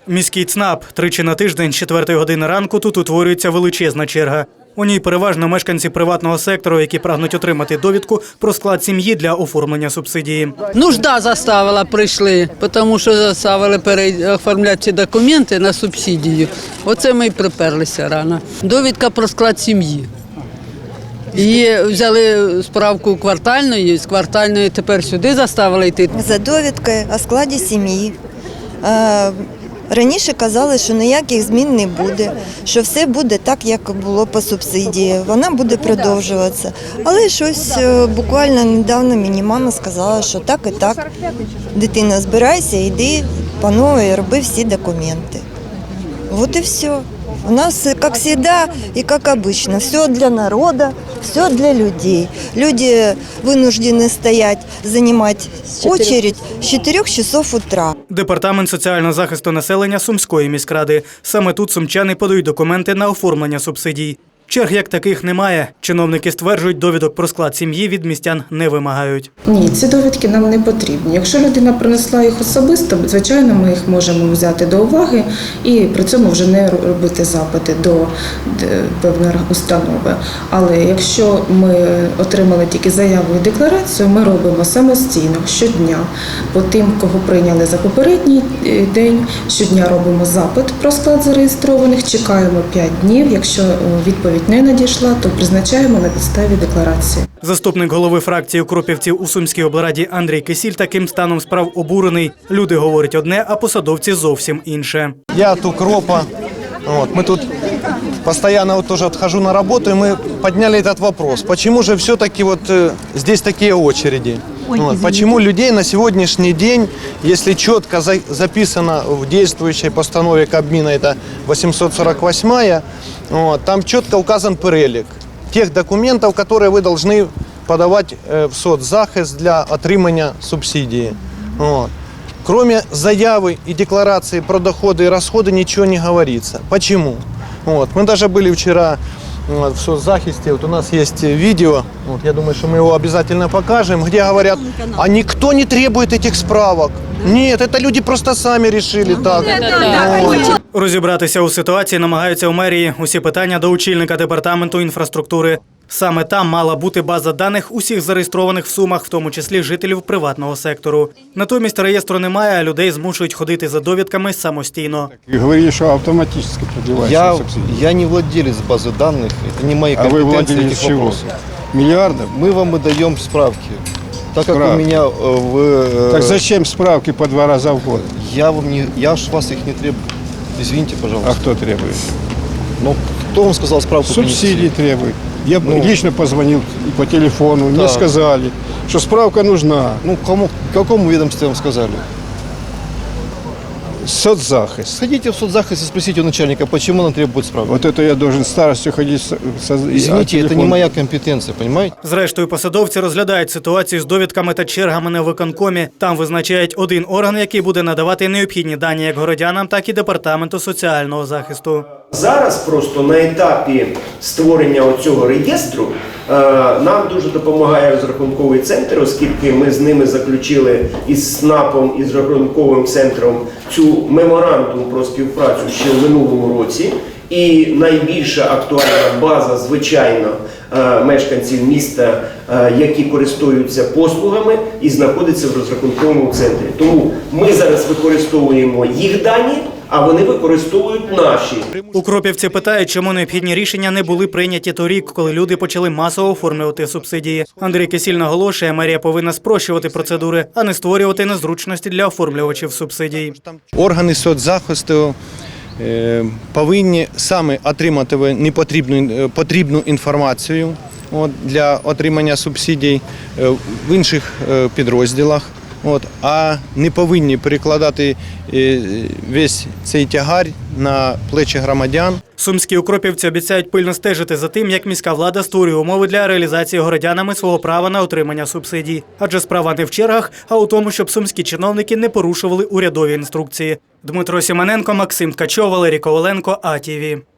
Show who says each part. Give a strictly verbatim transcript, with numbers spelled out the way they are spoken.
Speaker 1: Міський ЦНАП. Тричі на тиждень з четвертої години ранку тут утворюється величезна черга. У ній переважно мешканці приватного сектору, які прагнуть отримати довідку про склад сім'ї для оформлення субсидії.
Speaker 2: Нужда заставила, прийшли, тому що заставили переоформляти ці документи на субсидію. Оце ми й приперлися рано. Довідка про склад сім'ї. І взяли справку квартальної, з квартальної тепер сюди заставили йти.
Speaker 3: За довідкою о складі сім'ї. Раніше казали, що ніяких змін не буде, що все буде так, як було по субсидії, вона буде продовжуватися. Але щось буквально недавно мені мама сказала, що так і так. Дитина, збирайся, йди по новій, роби всі документи. Вот і все. У нас, как всегда и как обычно, все для народа, все для людей. Люди вынуждены стоять, занимать очередь с чотирьох часов утра.
Speaker 1: Департамент соціального захисту населення Сумської міськради. Саме тут сумчани подають документи на оформлення субсидій. Черг як таких немає. Чиновники стверджують, довідок про склад сім'ї від містян не вимагають.
Speaker 4: Ні, ці довідки нам не потрібні. Якщо людина принесла їх особисто, звичайно, ми їх можемо взяти до уваги і при цьому вже не робити запити до певної установи. Але якщо ми отримали тільки заяву і декларацію, ми робимо самостійно щодня. По тим, кого прийняли за попередній день, щодня робимо запит про склад зареєстрованих, чекаємо п'ять днів. Якщо відповідь не надійшла, то призначаємо на підставі декларації.
Speaker 1: Заступник голови фракції укропівців у Сумській облраді Андрій Кисіль таким станом справ обурений. Люди говорять одне, а посадовці зовсім інше.
Speaker 5: Я от укропа. Вот, мы тут постоянно вот тоже отхожу на работу, и мы подняли этот вопрос. Почему же все-таки вот э, здесь такие очереди? Вот, почему людей на сегодняшний день, если четко за, записано в действующей постанове Кабмина, это восемьсот сорок восьмая, вот, там четко указан перелик тех документов, которые вы должны подавать э, в соцзахист для отримання субсидии. Вот. Кроме заявы и декларации про доходы и расходы ничего не говорится. Почему? Вот. Мы даже были вчера вот, в соцзахисте, вот у нас есть видео, вот, я думаю, что мы его обязательно покажем, где говорят, а никто не требует этих справок. Нет, это люди просто сами решили так. Вот.
Speaker 1: Розібратися у ситуації намагаються у мерії. Усі питання до очільника департаменту інфраструктури. Саме там мала бути база даних усіх зареєстрованих в Сумах, в тому числі жителів приватного сектору. Натомість реєстру немає, а людей змушують ходити за довідками самостійно.
Speaker 6: Говорили, что автоматически продлевается
Speaker 7: Я,
Speaker 6: субсидия.
Speaker 7: я не владелец базы данных, это не мои
Speaker 6: А вы
Speaker 7: компетенции
Speaker 6: владелец
Speaker 7: этих
Speaker 6: чего?
Speaker 7: вопросов.
Speaker 6: Миллиардов?
Speaker 7: Мы вам и даем справки. Так как
Speaker 6: Справки.
Speaker 7: у меня э, в... э,
Speaker 6: Так зачем справки по два раза в год?
Speaker 7: Я вам не... Я ж вас их не требую. Извините,
Speaker 6: А
Speaker 7: пожалуйста.
Speaker 6: кто требует?
Speaker 7: Но кто вам сказал справку
Speaker 6: Субсидии
Speaker 7: принести?
Speaker 6: требует. Я
Speaker 7: Ну.
Speaker 6: лично позвонил и по телефону, мне
Speaker 7: Так.
Speaker 6: сказали, что справка нужна.
Speaker 7: Ну, кому, какому ведомству вам сказали?
Speaker 6: Соцзахист.
Speaker 7: Сходите в соцзахист и спросите у начальника, почему он требует справки.
Speaker 6: Вот это я должен старостью ходить. со- со-
Speaker 7: Извините,
Speaker 6: а
Speaker 7: это
Speaker 6: телефон-
Speaker 7: не моя компетенция, понимаете?
Speaker 1: Зрештою, посадовці розглядають ситуацію з довідками та чергами на виконкомі. Там визначають один орган, який буде надавати необхідні дані як городянам, так і департаменту соціального захисту.
Speaker 8: Зараз просто на етапі створення оцього реєстру е, нам дуже допомагає розрахунковий центр, оскільки ми з ними заключили із СНАПом і з рахунковим центром цю меморандум про співпрацю ще в минулому році. І найбільша актуальна база, звичайно, е, мешканців міста, е, які користуються послугами і знаходяться в розрахунковому центрі. Тому ми зараз використовуємо їх дані, а вони використовують наші.
Speaker 1: Укропівці питають, чому необхідні рішення не були прийняті торік, коли люди почали масово оформлювати субсидії. Андрій Кисіль наголошує, мерія повинна спрощувати процедури, а не створювати незручності для оформлювачів субсидій.
Speaker 5: Органи соцзахисту е, повинні саме отримати непотрібну потрібну інформацію от, для отримання субсидій е, в інших е, підрозділах. От, а не повинні перекладати е, весь цей тягар на плечі громадян.
Speaker 1: Сумські укропівці обіцяють пильно стежити за тим, як міська влада створює умови для реалізації городянами свого права на отримання субсидій. Адже справа не в чергах, а у тому, щоб сумські чиновники не порушували урядові інструкції. Дмитро Сімоненко, Максим Ткачов, Валерій Коваленко, А Ті Ві.